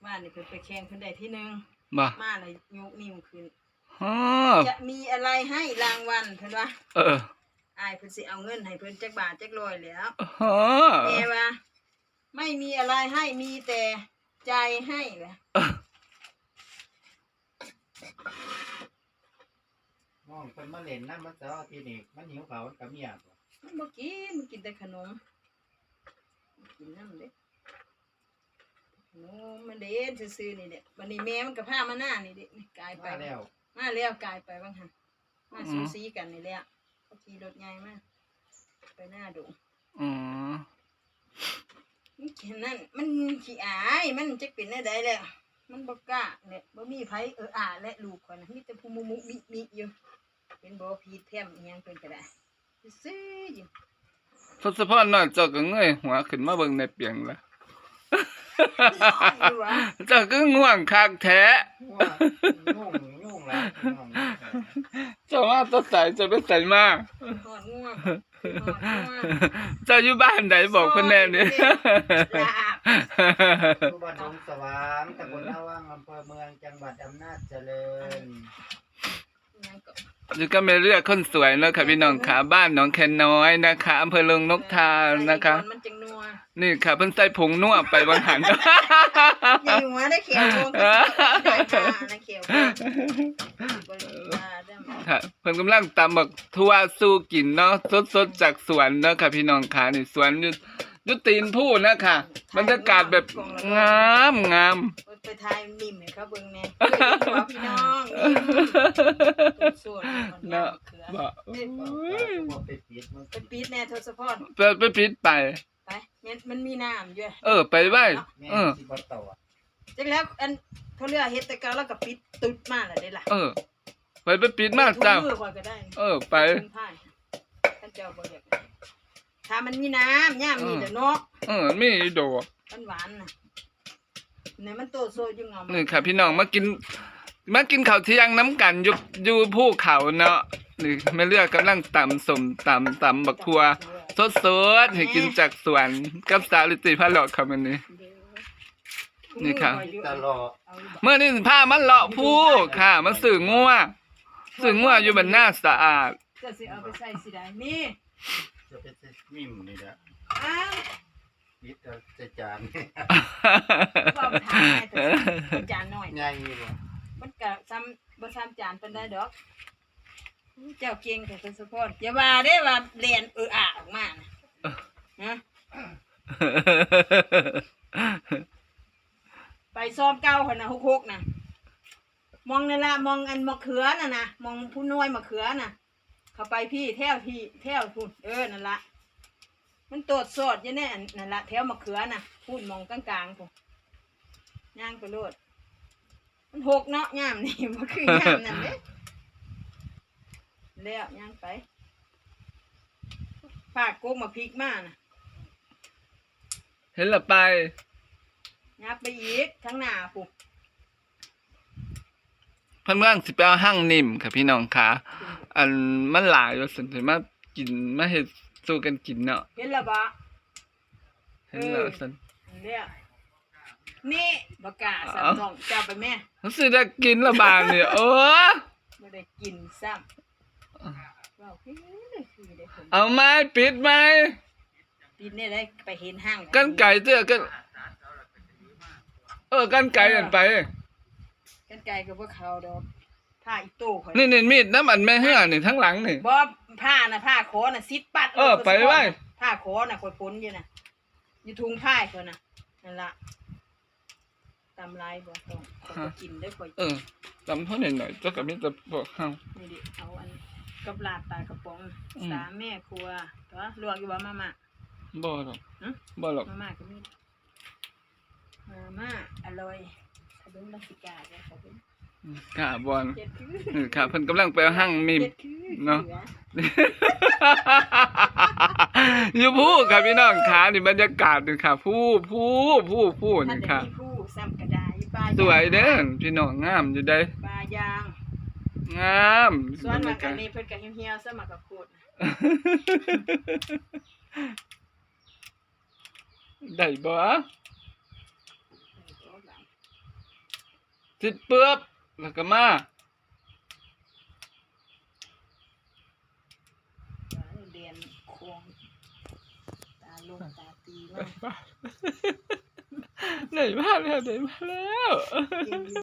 ว่านี่เพิ่นไปแข่งเพิ่นได้ที่หนึ่งบ่มาเลยยกนิ้วขึ้นอ๋อจะมีอะไรให้รางวัลเพิ่นว่าออ้ายเพิ่นสิเอาเงินให้เพิ่นจักบาทจักร้อยแล้วอ๋อแม่ว่าไม่มีอะไรให้มีแต่ใจให้แหละน้องเพิ่นมาเล่นน้ำมันเสาร์อาทิตย์นี่มันหิวข้าวมันก็เมียบ่มันบ่กินมันกินแต่ขนมกินน้ำเด้ขนมมันเด่นซื่อๆนี่แหละวันนี้แม่มันก็พามาหน้านี่เด้นี่กลายไปมาแล้วมาแล้วกลายไปบ้างหั่นมาสูสีกันนี่แหละเขาขี่รถใหญ่มาไปหน้าดงอ๋อมันแค่นั้นมันขี้อายมันจะเป็นได้ใดแล้วมันบ่กล้าเนี่ยบ่มีไผและลูกข่อยน่ะมีแต่ผู้มุมิอยู่เป็นบ่พีแพมอีหยังเพิ่นก็ได้ซื่อๆอยู่ทศพรน้อยเจ้าก็เงยหัวขึ้นมาเบิ่งในเปียงละอยู่วะเจ้าก็ง่วงคักแท้ว่ายุ่งแล้วน้องเจ้ามาแตะใส่จะไปใส่มาหอดง่วงหอดง่วงเจ้าอยู่บ้านไหนบอกเพิ่นแน่นี่ลาบอยู่บ้านดงสว่างตำบลนาวังอำเภอเมืองจังหวัดอำนาจเจริญอิหยังก็นี่ก็ไม่เลือกคนสวยเนาะค่ะพี่น้องค่ะบ้านหนองแคนน้อยนะคะอำเภอเริงนกทานะคะมันจังนัวนี่ค่ะเพิ่นใส่ผงนัวไปบางหันใหญ่หัวได้เขียวโกงก็ได้ค่ะนะเขียวโกงบ่ได้ได้มาค่ะเพิ่นกำลังตำบักทั่วสู้กินเนาะสดๆจากสวนเนาะค่ะพี่น้องค่ะนี่สวนอยู่ตีนผู้นะคะบรรยากาศแบบงามไปทายนิ่มให้เขาเบิ่งแน่พี่น้องนิ่มสวดมันเนาะเขือบ่บ่ไปปิดมันไปปิดแน่ทศพรไปปิดไปไปมันมีน้ำอยู่ไปไว้แม่เออสิบ่ต่อจังแล้วอันเขาเรียกเฮ็ดแต่เก่าแล้วก็ปิดตุดมาแล้วได้ล่ะไปปิดมาเจ้ามือข่อยก็ได้ไปถุงผ้าท่านเจ้าบ่อยากถ้ามันมีน้ำย่ามนี่เด้อเนาะมีอีโดหวานๆน่ะเนี่ยมันโตโซอยู่งอมนี่ค่ะพี่น้องมากินข้าวเที่ยงน้ำกันอยู่ภูเขาเนาะนี่แม่เลือกกำลังตำส้มตำบักทั่วสดๆให้กินจากสวนกับสาวลิติพาเลาะค่ะมื้อนี้ นี่ค่ะตลอดเมื่อนี้พามันเลาะภูค่ะมาซื้องัวอยู่บ้านนาสะอาดจะสิเอาไปใส่สิได้นี่จะเป็นมิมนี่แหละอ้าวปิดเอาใส่จานบ่ทานให้แต่จานน้อยใหญ่บ่มันก็ซ้ำบ่ซ้ำจานปานใดดอกเจ้าเก่งแต่ทศพรอย่าว่าเด้ว่าเรียนออกมานะฮะไปซ้อมเก่าหั่นน่ะ66น่ะมองนั่นล่ะมองอันมะเขือน่ะนะมองผู้น้อยมะเขือน่ะ เข้าไปพี่แถวพุ่นนั่นล่ะมันโตดสอดอยู่แน่นั่นล่ะแถวมะเขือน่ะพุ่นมองกลางๆพุ่นย่างไปโลดมันหกเนาะย่ามนี่บ่คือย่ามนั่นเด้แล้วย่างไปฝากโกกมาพริกมาน่ะเห็นละไปยับไปอีกทั้งหน้าปุ๊บเพิ่นเมืองสิไปเอาหั่งนิ่มค่ะพี่น้องค่ะอันมันหลายว่าซั่นสิมากินมาเฮ็ดสู้กันกินเนาะเห็นแล้วบ่เห็นแล้วซั่นแล้วนี่บ่กล้าซ้ํน้องจับไปแม่รู้สึกได้กินละบาดนี่บ่ได้กินซ้ำว้าวคือได้ผมเอาไม้ปิดไม้ปีนนี่ได้ไปเห็นห้างกันไก่เจ้อกันกันไก่นั่นไปกันไก่ก็บ่เข้าดอกผ้าอีโต้ข่อยนี่มีดน้ำอันแม่เหือนี่ทั้งหลังนี่บ่ผ้าน่ะผ้าขอน่ะซิดปัดไปไว้ผ้าขอน่ะข่อยพ้นอยู่น่ะอยู่ถุงผ้าข่อยน่ะนั่นล่ะตำลายบ่ต้องข่อยก็กินได้ข่อยจำเท่าหน่อยๆเจ้าก็มีแต่บอกเฮานี่ดิเอาอันกับลาดปลากระป๋องอืมสามแม่ครัวตัวลวกอยู่ว่ามาม่าบ่หรอกฮะบ่หรอกมาม่าก็มีมาม่าอร่อยขนมลังสิกาเนี่ยขอบคุณกะบ่นเจ็ดคือค่ะเพิ่นกำลังไปเอาหั่งมีมเจ็ดคือเนาะสืออยู่ผู้ค่ะพี่น้องค่ะนี่บรรยากาศนี่ค่ะผู้ท่านนี่จะค่ะมีผู้ซ้ำกระดาษปลาสวยเด้อพี่น้องงามอยู่ได้ปลายางงามส่วนมันกันนี้เพิ่นก็เหี่ยวๆซะมากกับโคตรได้บ่สิเปื้อบแล้วก็มาเรียนโคงตาลงตาตีมากไหนมาแล้วไหนมาแล้ว